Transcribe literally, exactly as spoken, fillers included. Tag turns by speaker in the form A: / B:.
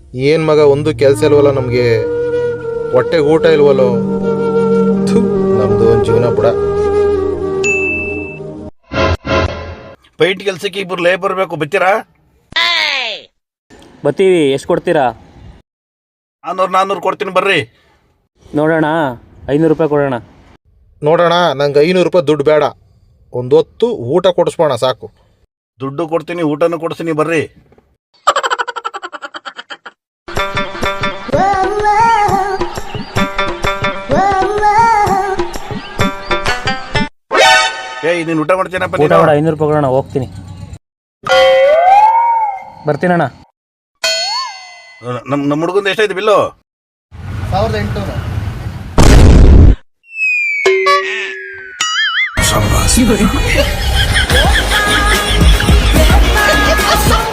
A: ಏನು ಮಗ ಒಂದು ಕೆಲಸ ಇಲ್ವಲ್ಲ ನಮಗೆ, ಹೊಟ್ಟೆಗೆ ಊಟ ಇಲ್ವಲ್ಲೋ. ಥು, ನಮ್ದು ಒಂದು ಜೀವನ ಬಿಡ.
B: ಪೈಂಟ್ ಕೆಲಸಕ್ಕೆ ಇಬ್ಬರು ಲೇಬರ್ ಬೇಕು, ಬರ್ತೀರಾ?
C: ಬರ್ತೀವಿ. ಎಷ್ಟು ಕೊಡ್ತೀರಾ?
B: ನಾನ್ನೂರು ನಾನ್ನೂರು ಕೊಡ್ತೀನಿ ಬರ್ರಿ.
C: ನೋಡೋಣ, ಐನೂರು ರೂಪಾಯಿ ಕೊಡೋಣ.
A: ನೋಡೋಣ, ನಂಗೆ ಐನೂರು ರೂಪಾಯಿ ದುಡ್ಡು ಬೇಡ, ಒಂದು ಹೊತ್ತು ಊಟ ಕೊಡಿಸ್ಬೋಣ ಸಾಕು.
B: ದುಡ್ಡು ಕೊಡ್ತೀನಿ, ಊಟನೂ ಕೊಡ್ತೀನಿ ಬರ್ರಿ. ಏಯ್ ನೀನು ಊಟ ಮಾಡ್ತೀನಪ್ಪ?
C: ಊಟ ಮಾಡ, ಐನೂರು ರೂಪಾಯಿ ಕೊಡೋಣ, ಹೋಗ್ತೀನಿ. ಬರ್ತೀನಣ್ಣ.
B: ನಮ್ಮ ನಮ್ಮ ಹುಡುಗಂದು ಎಷ್ಟಾಯ್ತು ಬಿಲ್ಲು?
A: ಸಾವಿರದ ಎಂಟುನೂರು.
B: ಸಂಭಾಷಣೆ